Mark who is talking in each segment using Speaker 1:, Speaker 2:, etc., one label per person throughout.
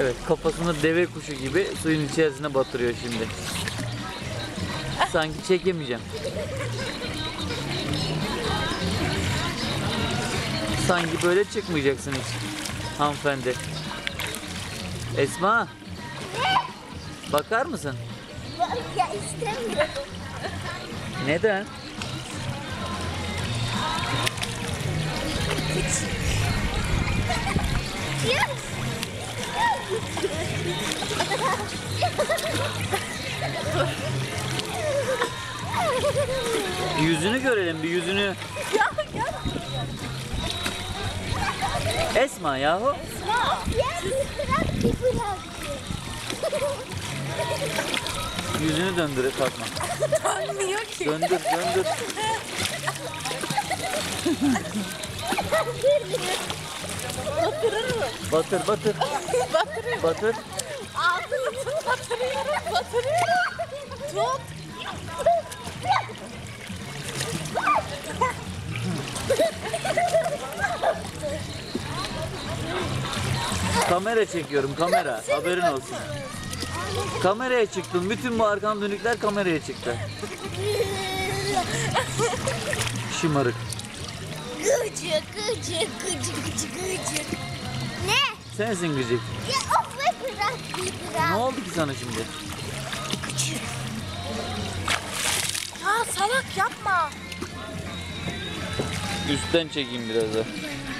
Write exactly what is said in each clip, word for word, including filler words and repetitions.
Speaker 1: Evet, kafasını deve kuşu gibi suyun içerisine batırıyor şimdi. Sanki çekemeyeceğim. Sanki böyle çıkmayacaksın hiç hanımefendi. Esma. Bakar mısın?
Speaker 2: Ya istemiyorum.
Speaker 1: Neden? Yüzünü görelim, bir yüzünü.
Speaker 2: Ya ya.
Speaker 1: Esma yahu.
Speaker 2: Ya bir bırak bir bırak.
Speaker 1: Yüzünü döndür Fatma.
Speaker 2: Dönmüyor ki.
Speaker 1: Döndür, döndür.
Speaker 2: Batırırım.
Speaker 1: Batır, batır.
Speaker 2: Batırırım.
Speaker 1: Batır.
Speaker 2: Ağzını tut, batırıyorum, batırıyorum. Tut.
Speaker 1: Kamera çekiyorum, kamera. Haberin olsun. Kameraya çıktım. Bütün bu arkam dönükler kameraya çıktı. Şımarık.
Speaker 2: Gıcık, gıcık, gıcık, gıcık, gıcık. Ne?
Speaker 1: Sensin gıcık.
Speaker 2: Ya of be bırak, bir
Speaker 1: Ne
Speaker 2: bırak.
Speaker 1: oldu ki sana şimdi?
Speaker 2: Gıcık. Ya salak yapma.
Speaker 1: Üstten çekeyim biraz da.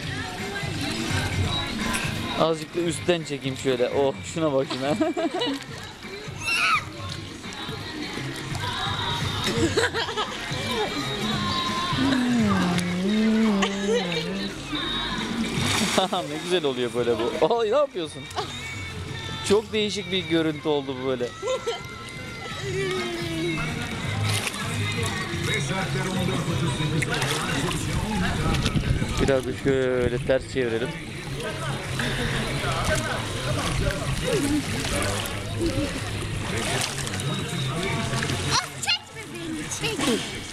Speaker 1: Azıcık da üstten çekeyim şöyle. Oh, şuna bak şuna. Ne güzel oluyor böyle bu. Ay, ne yapıyorsun? Çok değişik bir görüntü oldu bu böyle. Biraz da şöyle ters çevirelim.
Speaker 2: Ah çekme beni, çek.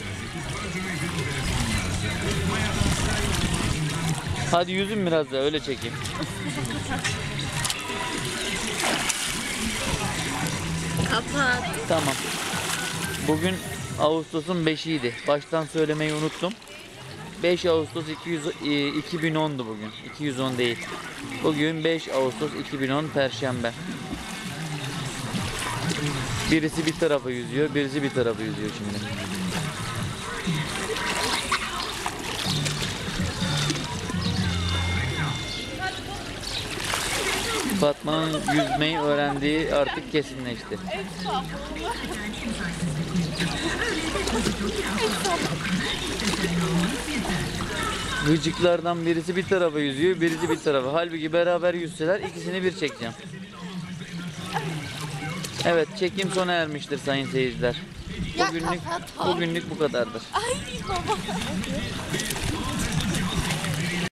Speaker 1: Hadi yüzün biraz da öyle çekeyim.
Speaker 2: Kapat.
Speaker 1: Tamam. Bugün Ağustos'un beşiydi. Baştan söylemeyi unuttum. beş Ağustos iki yüz, e, iki bin on'du bugün. iki yüz on değil. Bugün beş Ağustos iki bin on Perşembe. Birisi bir tarafa yüzüyor, birisi bir tarafa yüzüyor şimdi. Fatma'nın yüzmeyi öğrendiği artık kesinleşti. Gıcıklardan birisi bir tarafa yüzüyor, birisi bir tarafa. Halbuki beraber yüzseler ikisini bir çekeceğim. Evet, çekim sona ermiştir sayın seyirciler.
Speaker 2: Ya
Speaker 1: Bugünlük,
Speaker 2: kapat.
Speaker 1: bugünlük bu kadardır.
Speaker 2: Ay baba.